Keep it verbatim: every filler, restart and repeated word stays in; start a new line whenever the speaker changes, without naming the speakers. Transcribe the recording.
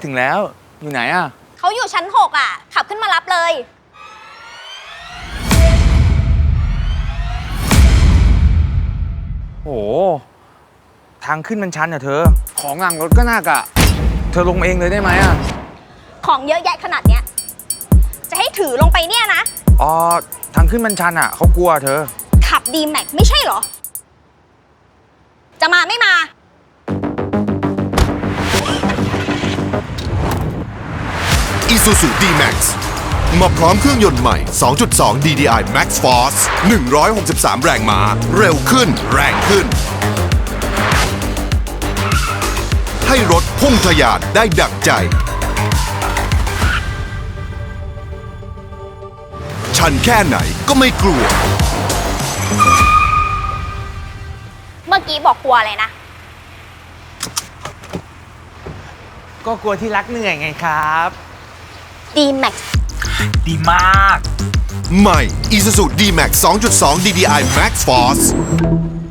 ถึงแล้วอยู่ไหนอะ
เขาอยู่ชั้นหกอ่ะขับขึ้นมารับเลย
โอ้ทางขึ้นมันชันอะเธอของหลังรถก็หนักอะเธอลงเองเลยได้ไหมอะ
ของเยอะแยะขนาดเนี้ยจะให้ถือลงไปเนี่ยนะ
อ๋อทางขึ้นมันชันอะเขากลัวเธอ
ขับดีแม็กไม่ใช่เหรอจะมาไม่มา
Isuzu D-Max มาพร้อมเครื่องยนต์ใหม่ สองจุดสอง ดี ดี ไอ Max Force หนึ่งร้อยหกสิบสาม แรงม้าเร็วขึ้นแรงขึ้นให้รถพุ่งทะยานได้ดั่งใจชันแค่ไหนก็ไม่กลัว
เมื่อกี้บอกกลัวอะไรนะ
ก็กลัวที่รักเหนื่อยไงครับ
ดีแม็ก
ดีมาก
ใหม่ Isuzu D-Max สองจุดสอง ดี ดี ไอ Max Force